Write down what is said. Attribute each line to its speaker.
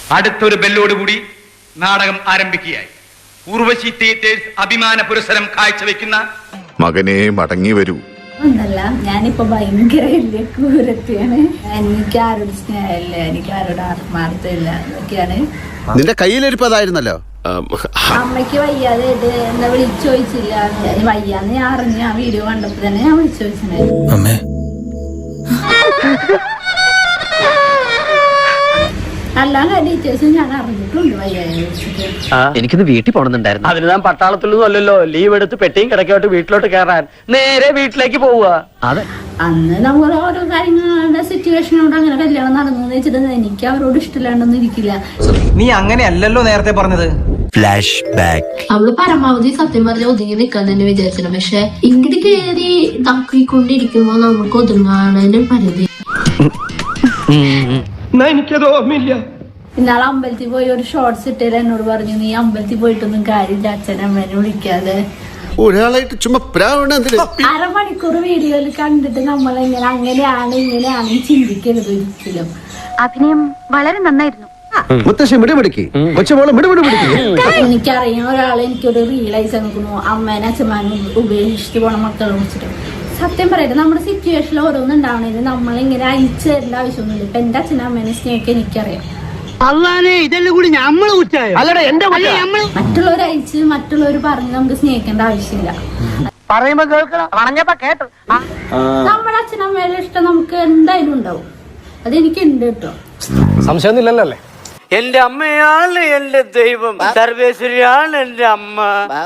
Speaker 1: അടുത്തൊരു ബെല്ലോടുകൂടി നാടകം ആരംഭിക്കുകയായി. ഉർവശി തിയേറ്റേഴ്സ് അഭിമാന പുരസ്സരം കാഴ്ചവെക്കുന്ന
Speaker 2: മകനെ മടങ്ങി വരൂ.
Speaker 3: ഒന്നല്ല, ഞാനിപ്പോ ഭയങ്കര വലിയ ക്രൂരത്തെയാണ്. എനിക്ക് ആരോട് സ്നേഹമില്ല, എനിക്ക് ആരോട് ആത്മാർത്ഥമില്ല എന്നൊക്കെയാണ്.
Speaker 4: നിന്റെ കയ്യിലിരിപ്പതായിരുന്നല്ലോ.
Speaker 3: അമ്മയ്ക്ക് വയ്യാതെ എന്താ വിളിച്ചു ചോദിച്ചില്ല. വയ്യാന്ന് ഞാൻ അറിഞ്ഞു. ആ വീഡിയോ കണ്ടപ്പോ തന്നെ ഞാൻ വിളിച്ചു ചോദിച്ചിട്ടുണ്ടായിരുന്നു. അല്ലാതെ ഡീറ്റെയിൽസ് ഞാൻ അറിഞ്ഞിട്ടുണ്ട് വയ്യാതെ വിളിച്ചിട്ട്.
Speaker 5: എനിക്കിന്ന് വീട്ടിൽ പോണെന്നുണ്ടായിരുന്നു. അതിന് ഞാൻ പട്ടാളത്തിലൊന്നും അല്ലല്ലോ. ലീവ് എടുത്ത് പെട്ടിയും കിടക്കോട്ട് വീട്ടിലോട്ട് കയറാൻ നേരെ വീട്ടിലേക്ക് പോവുക. അതെ,
Speaker 3: അന്ന് നമ്മൾ ഓരോ കാര്യങ്ങളുടെ സിറ്റുവേഷനോട് അങ്ങനെ കല്യാണം നടന്നു വെച്ചിട്ട് എനിക്ക് അവരോട് ഇഷ്ടമില്ലാണ്ടൊന്നും ഇരിക്കില്ല.
Speaker 6: നീ അങ്ങനെയല്ലല്ലോ നേരത്തെ പറഞ്ഞത്.
Speaker 4: Flashback.
Speaker 7: അവള് പരമാവധി സത്യം പറഞ്ഞ ഒതുങ്ങി നിൽക്കാൻ തന്നെ വിചാരിച്ചില്ല. പക്ഷെ ഇങ്ങോട്ട് കയറി തക്കിക്കൊണ്ടിരിക്കുമ്പോ നമുക്ക് ഒതുങ്ങാനൊരു പരിധി.
Speaker 6: എനിക്കത് ഓർമ്മയില്ല.
Speaker 3: ഇന്നാളെ അമ്പലത്തിൽ പോയി ഒരു ഷോർട്സ് ഇട്ടേല് എന്നോട് പറഞ്ഞു, നീ അമ്പലത്തിൽ പോയിട്ടൊന്നും കാര്യമില്ല, അച്ഛനമ്മേനെ വിളിക്കാതെ.
Speaker 4: ഒരാളായിട്ട് ചുമ്മാ
Speaker 3: അരമണിക്കൂർ വീഡിയോയിൽ കണ്ടിട്ട് നമ്മളെങ്ങനെ അങ്ങനെയാണ് ഇങ്ങനെയാണ് ചിന്തിക്കരുത് ഒരിക്കലും.
Speaker 8: അഭിനയം വളരെ നന്നായിരുന്നു.
Speaker 3: എനിക്കറിയാം ഒരാളെ എനിക്കൊരു റിയലൈസ് നോക്കുന്നു, അമ്മേനെ അച്ഛന്മാരും ഉപേക്ഷിച്ചിട്ട് പോണ മക്കളെ കുറിച്ചിട്ട്. സത്യം പറയട്ടെ, നമ്മുടെ സിറ്റുവേഷനിൽ ഓരോന്നും ഉണ്ടാവണേന് നമ്മളിങ്ങനെ അയച്ചു തരേണ്ട ആവശ്യമൊന്നുമില്ല. ഇപ്പൊ എന്റെ അച്ഛനും അമ്മേനെ സ്നേഹിക്കാൻ എനിക്കറിയാം. മറ്റുള്ളവർ അയച്ച് മറ്റുള്ളവർ പറഞ്ഞ് നമുക്ക് സ്നേഹിക്കേണ്ട ആവശ്യമില്ല. നമ്മുടെ അച്ഛനമ്മയുടെ ഇഷ്ടം നമുക്ക് എന്തായാലും ഉണ്ടാവും. അതെനിക്ക് ഉണ്ട് കേട്ടോ,
Speaker 5: സംശയമൊന്നുമില്ലല്ലോ. എന്റെ അമ്മയാണ് എന്റെ ദൈവം, സർവേശ്വരിയാണ് എന്റെ അമ്മ.